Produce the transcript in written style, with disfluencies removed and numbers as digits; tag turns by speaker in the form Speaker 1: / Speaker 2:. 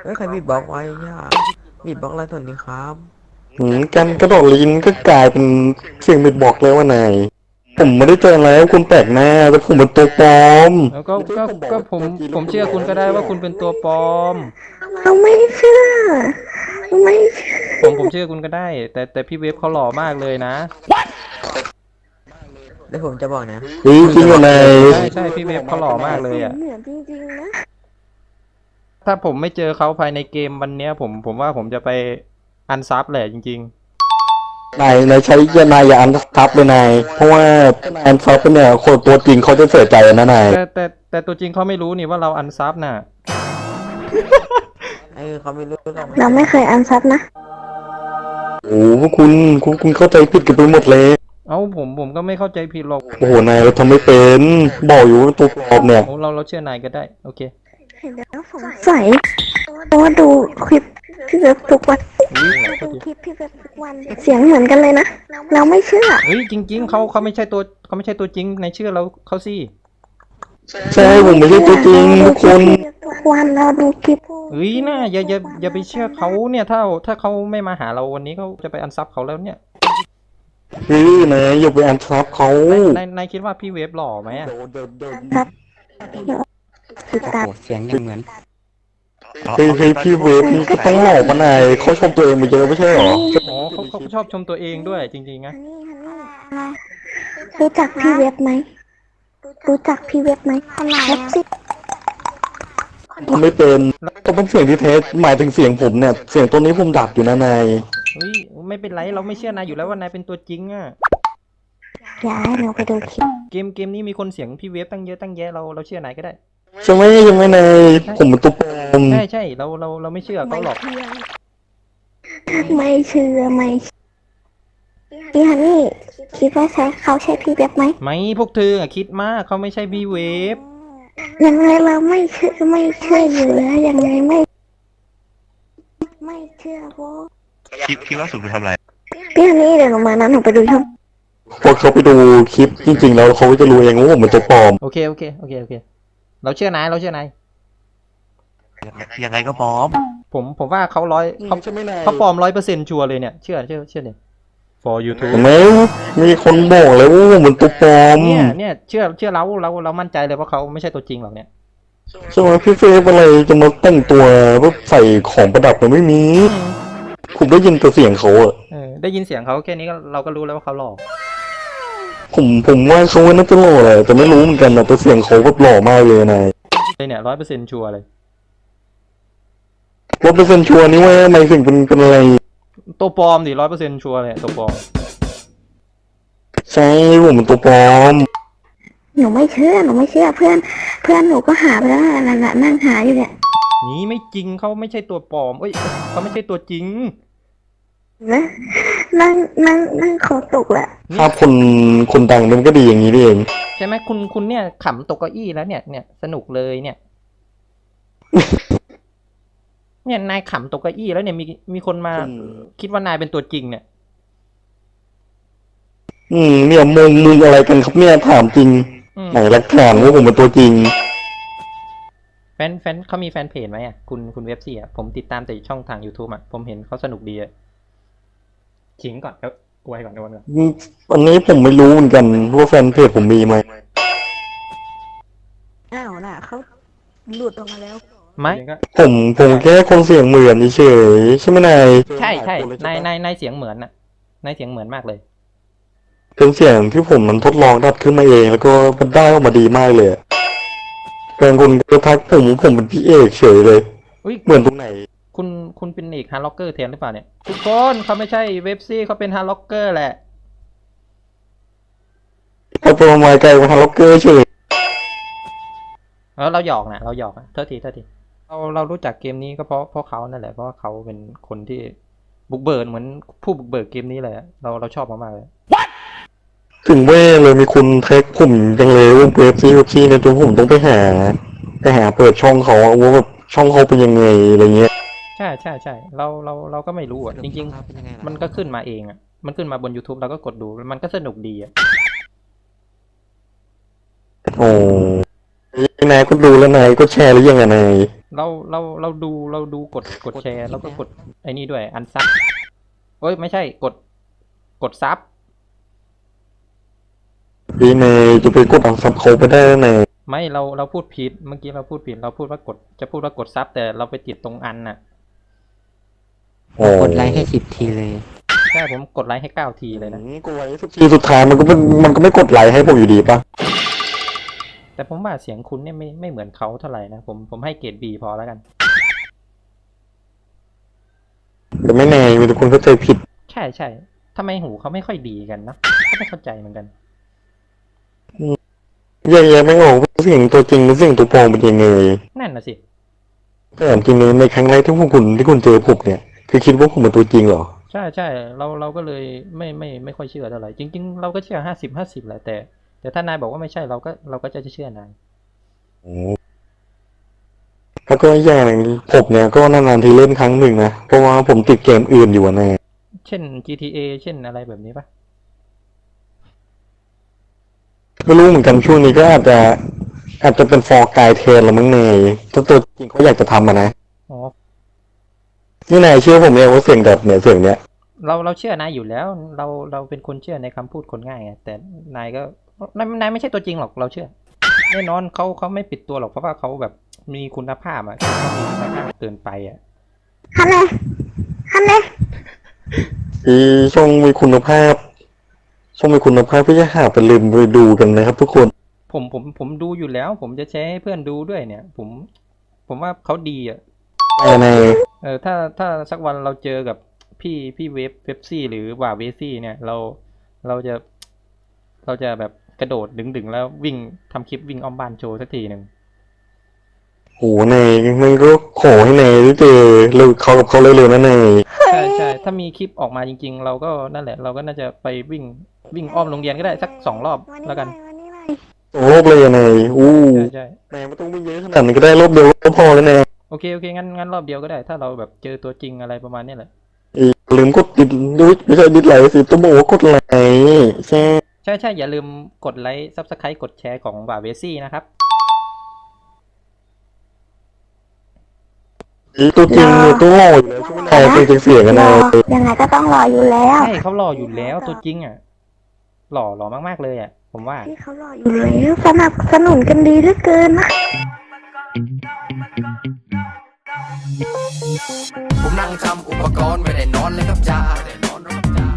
Speaker 1: เอ้ยใครบีบบล็อกไว้ย่าบีบบล็อกอะไรส่วนนี้ครับ
Speaker 2: การกระโดดลิ้นก็กลายเป็นเสียงบิดบอกเลยว่านายผมไม่ได้เจอแล้วคุณแปลกหน้าแต่ผมเป็นตัวปลอม
Speaker 3: แล้วก็ผมเชื่อคุณก็ได้ว่าคุณเป็นตัวปลอม
Speaker 4: เราไม่เชื่อไม่เชื่อ
Speaker 3: ผมเชื่อคุณก็ได้ แต่พี่เวฟเขาหล่อมากเลยนะ
Speaker 1: แล้วผมจะบอกนะ
Speaker 2: จริงเหรอนาย
Speaker 3: ใช่พี่เวฟเขาหล่อมากเลยอ่ะ
Speaker 4: เหมือนจริงๆนะ
Speaker 3: ถ้าผมไม่เจอเขาภายในเกมวันเนี้ยผมว่าผมจะไปอันซับแหละจริง
Speaker 2: นายใช้นายอย่าอันซับเลยนายเพราะว่าอันซับเนี่ยคนตัวจริงเขาจะเสียใจนะนาย
Speaker 3: ๆแต่ตัวจริงเขาไม่รู้นี่ว่าเราอันซับน่ะ
Speaker 1: เขาไม่รู้หรอก
Speaker 4: เราไม่เคยอันซับนะ
Speaker 2: โอ้พวกคุณเข้าใจผิดกันไปหมดเลย
Speaker 3: เอ้าผมก็ไม่เข้าใจผิดหรอก
Speaker 2: โอ้โหนายเราทำไม่เป็นบอกอยู่ว่าตัวปลอมเนี่ย
Speaker 3: เราเชื่อนายก็ได้โอเค
Speaker 4: เห็นแล้วสงสัยเพราะว่าดูคลิปพี่เว็บทุกวันดูคลิปพี่เว็บทุกวันเสียงเหมือนกันเลยนะเราไม่เชื่อ
Speaker 3: เฮ้ยจริงๆเขาไม่ใช่ตัวจริงในเชื่อเราเขาสิ
Speaker 2: ใช่ผมไม่ใช่ตัวจริงทุกคน
Speaker 4: ทุกวันเราดูคลิป
Speaker 3: เฮ้ยน่าอย่าไปเชื่อเขาเนี่ยถ้าเขาไม่มาหาเราวันนี้เขาจะไปอันซับเขาแล้วเนี่ย
Speaker 2: นายอย่าไปอันซับเขา
Speaker 3: นายคิดว่าพี่เวฟหล่อไหมอ่ะ
Speaker 4: ครับติดตาม
Speaker 1: เสียงยังเหมือน
Speaker 2: พี่เวฟนี่ก็ต้องหลอกมานายเขาชมตัวเองมาเยอะไม่ใช่หรอ
Speaker 3: อ๋อเขาชอบชมตัวเองด้วยจริงๆนะ
Speaker 4: รู้จักพี่เว็บไหมรู้จักพี่เว็บไหมแท็กซี่
Speaker 2: ไม่เป็นต้องเป็นเสียงที่เทสหมายถึงเสียงผมเนี่ยเสียงตัวนี้ผมดับอยู่นะนาย
Speaker 3: เฮ้ยไม่เป็นไรเราไม่เชื่อนายอยู่แล้วว่านายเป็นตัวจริงอ่ะ
Speaker 4: ย้ายเราไปดูคลิป
Speaker 3: เกมนี้มีคนเสียงพี่เวฟตั้งเยอะตั้งแยะเราเชื่อนายก็ได้
Speaker 2: ใช่ไหมยังไม่นายผมเป็นตัวปลอม
Speaker 3: ใช่เราไม่เชื่อเขาหรอก
Speaker 4: ไม่เชื่อพี่ฮันนี่คิดว่าเขาใช่พี่เว็บไหม
Speaker 3: ไม่พวกเธอคิดมากเขาไม่ใช่พี่เวฟ
Speaker 4: ยังไงเราไม่เชื่ออยู่แล้วยังไงไม่เชื่อโว้
Speaker 5: คลิปล่าสุดคุณทำอะไร
Speaker 4: พี่ฮันนี่เดี๋ยวหนูมานั้นหนูไปดูช่อง
Speaker 2: พอเขาไปดูคลิปจริงๆแล้วเขาจะรู้เองว่าผมเป็นตัวปลอม
Speaker 3: โอเคเราเชื่อนาย
Speaker 5: ยังไงก็พร้อม
Speaker 3: ผมว่าเขาปลอม100%ชัวร์เลยเนี่ยเชื่อเนี่ย for YouTube
Speaker 2: ไม่มีคนบอกเลยว่าผมเป็นตัวปลอม
Speaker 3: เนี่ยเชื่อเรามั่นใจเลยว่าเขาไม่ใช่ตัวจริงหรอกเนี่ย
Speaker 2: ใช่ไหมพี่เฟซอะไรจะมาแต่งตัวแบบใส่ของประดับมันไม่มีผมได้ยินแต่เสียงเขาอะ
Speaker 3: ได้ยินเสียงเขาแค่นี้เราก็รู้แล้วว่าเขาหล่อ
Speaker 2: ผมว่าเขาน่าจะหล่อแหละแต่ไม่รู้เหมือนกันนะแต่เสียงเขาแบบหล่อมากเลยนาย
Speaker 3: เนี่ย100%ชัวร์เลย
Speaker 2: 100%ชัวร์นี่ว่าไม่ถึงเป็นอะไร
Speaker 3: ตัวปลอมดิ100%ชัวร์เลยตัวปลอม
Speaker 2: ใช่ผมเป็นตัวปลอม
Speaker 4: หนูไม่เชื่อเพื่อนหนูก็หาไปแล้วนั่งหาอยู่เนี่ย
Speaker 3: นี่ไม่จริงเขาไม่ใช่ตัวปลอมเขาไม่ใช่ตัวจริง
Speaker 4: นะนั่งขอตกแหละ
Speaker 2: ถ้าคนดังมันก็ดีอย่างนี้เอง
Speaker 3: ใช่ไหมคุณเนี่ยขำตกเก้าอี้แล้วเนี่ยสนุกเลยเนี่ย เนี่ยนายขำตกเก้าอี้แล้วเนี่ยมีคนมาคิดว่านายเป็นตัวจริงเนี่ย
Speaker 2: เนี่ยมึงอะไรกันครับเนี่ยถามจริงไหนหลักฐานว่าผมเป็นตัวจริง
Speaker 3: แฟนเขามีแฟนเพจไหมอ่ะคุณเว็บซี่อ่ะผมติดตามแต่ช่องทาง YouTube อ่ะผมเห็นเขาสนุกดีอ่ะขิงก่อนแล้วอวยก่อน
Speaker 2: อันนี้ผมไม่รู้เหมือนกันว่าแฟนเพจผมมีไหม
Speaker 4: อ้าวน่ะเขาหลุดออกมาแล้ว
Speaker 3: ไม่
Speaker 2: ผมแค่คนเสียงเหมือนเฉยใช่ไหมนาย
Speaker 3: ใช่นายเสียงเหมือนน่ะนายเสียงเหมือนมากเลย
Speaker 2: เป็นเสียงที่ผมมันทดลองดัดขึ้นมาเองแล้วก็มันได้ออกมาดีมากเลยแฟนคนก็ทักผมเป็นพี่เอกเฉยเลยเหมือนตรงไหน
Speaker 3: คุณเป็นเอกฮาร์ล็อกเกอร์แทนหรือเปล่าเนี่ยทุกคนเขาไม่ใช่เว็บซี่เขาเป็นฮาร์ล็อกเกอร์แหละ
Speaker 2: เขาตัวมาไกลกว่าฮาร์ล็อกเกอร์เฉย
Speaker 3: เราหยอกนะเท่าทีเรารู้จักเกมนี้ก็เพราะเขานั่นแหละเพราะว่าเขาเป็นคนที่บุกเบิกเหมือนผู้บุกเบิกเกมนี้เลยเราชอบมากๆเลย
Speaker 2: ถึงแม่เลยมีคุณแท็กผมจังเลยว่าเว็บซี่เนี่ยจนผมต้องไปหาเปิดช่องเขาว่าแบบช่องเขาเป็นยังไงอะไรเงี้ย
Speaker 3: ใช่เราก็ไม่รู้อ่ะจริงๆมันก็ขึ้นมาเองอ่ะมันขึ้นมาบน YouTube เราก็กดดูมันก็สนุกดีอ่ะ
Speaker 2: โอ้นายก็ดูแล้วนายก็แชร์หรือยังไงนาย
Speaker 3: เราดูกดแชร์แล้วก็กดไอ้นี่ด้วยอันซับเอ้ยไม่ใช่กดซับ
Speaker 2: พี่เนยจะไปกดอันซับเขาไปได้ไง
Speaker 3: ไม่เราพูดผิดเมื่อกี้เราพูดผิดเราพูดว่ากดจะพูดว่ากดซับแต่เราไปติดตรงอันน่ะ
Speaker 2: โอ้
Speaker 1: กดไลค์ให้10 ทีเลย
Speaker 3: ใช่ผมกดไลค์ให้9 ทีเลยนะ
Speaker 2: กดไลค์ทีสุดท้ายมันก็ไม่กดไลค์ให้ผมอยู่ดีปะ
Speaker 3: แต่ผมว่าเสียงคุณเนี่ยไม่เหมือนเขาเท่าไหร่นะผมให้เกรด B พอแล้วกัน
Speaker 2: แต่ไม่แน่มีแต่คนเข้าใจผิด
Speaker 3: ใช่ทำไมหูเขาไม่ค่อยดีกันนะก็ไม่เข้าใจเหมือนกัน
Speaker 2: แยกไม่ออกว่าเสียงตัวจริงหรือเสียงตัวปลอมเป็นยังไง
Speaker 3: นั่นน่ะสิ
Speaker 2: แต่จริงๆในครั้งแรกที่คุณเจอผมเนี่ยคือคิดว่าผมเป็นตัวจริงเหรอ
Speaker 3: ใช่เราก็เลยไม่ค่อยเชื่อเท่าไหร่จริงๆเราก็เชื่อ50-50แหละแต่ถ้านายบอกว่าไม่ใช่เราก็จะเชื่อนาย
Speaker 2: แล้วก็อีกอย่างหนึ่งผมเนี่ยก็นานๆทีเล่นครั้งหนึ่งนะเพราะว่าผมติดเกมอื่นอยู่นะ
Speaker 3: เช่น GTA เช่นอะไรแบบนี้ปะ
Speaker 2: ไม่รู้เหมือนกันช่วงนี้ก็อาจจะเป็นฟอร์กายเทนละมั้งเนยถ้าตัวจริงเขาอยากจะทำนะ
Speaker 3: อ๋อ
Speaker 2: นี่นายเชื่อผมเนี่ยว่าเสียงแบบเนี่ยเสียงเนี้ย
Speaker 3: เราเชื่อนายอยู่แล้วเราเป็นคนเชื่อในคำพูดคนง่ายไงแต่นายก็นายไม่ใช่ตัวจริงหรอกเราเชื่อแน่นอนเขาไม่ปิดตัวหรอกเพราะว่าเขาแบบมีคุณภาพอ่ะเขามีคุณภาพเกินไปอ่ะ
Speaker 4: ฮันเน่ฮันเน่
Speaker 2: อีช่องมีคุณภาพพี่จะหาไปลืมไปดูกันนะครับทุกคน
Speaker 3: ผมดูอยู่แล้ว ผมจะแชร์ให้เพื่อนดูด้วยเนี่ย ผมว่าเขาดีอ่ะ
Speaker 2: ใน
Speaker 3: ถ้าสักวันเราเจอกับพี่เว็บซี่หรือว่าเวซี่เนี่ยเราจะแบบกระโดดดึงแล้ววิ่งทำคลิปวิ่งอ้อมบ้านโชว์สักทีหนึ่ง
Speaker 2: โหเนยมันก็ขอให้เนยได้เจอเร็วเขากับเขาเร็วๆนะเนย
Speaker 3: ใช่ถ้ามีคลิปออกมาจริงๆ เราก็นั่นแหละเราก็น่าจะไปวิ่งอ้อมโรงเรียนก็ได้สัก2 รอบแล้วกัน
Speaker 4: วันนี้หน่อย
Speaker 2: โอ้โลกเลยอะเนยอู้
Speaker 3: ใช่
Speaker 2: แหมไม่ต้องวิ่งเยอะขนาดนี้ก็ได้รอบเดียวก็พอแล้วเนย
Speaker 3: โอเคงั้นรอบเดียวก็ได้ ถ้าเราแบบเจอตัวจริงอะไรประมาณนี้แหละ
Speaker 2: ลืมกดติดไม่ใช่ดิสไลค์สิต้องบอกว่ากดไลค์ใช่
Speaker 3: ใช่อย่าลืมกดไลค์ Subscribe กดแชร์ของบ่าเวซี่นะครับ
Speaker 2: ตัวจริงเนี่ยตัวหล่ออยู่แล้วใช่ไหมนายตัวจริงเสียงกัน
Speaker 4: ร
Speaker 2: นา
Speaker 4: อย ยังไงก็ต้องรออยู่แล้ว
Speaker 3: ใช่เขาหล่ออยู่แล้วตัวจริงอ่ะหล่อมากๆเลยอ่ะผมว่า
Speaker 4: ที่เขารออยู่แล้วสนับสนุนกันดีเหลือเกินนะ
Speaker 6: ผมนั่งทำอุปกรณ์ไม่ได้นอนเลยครับจ้า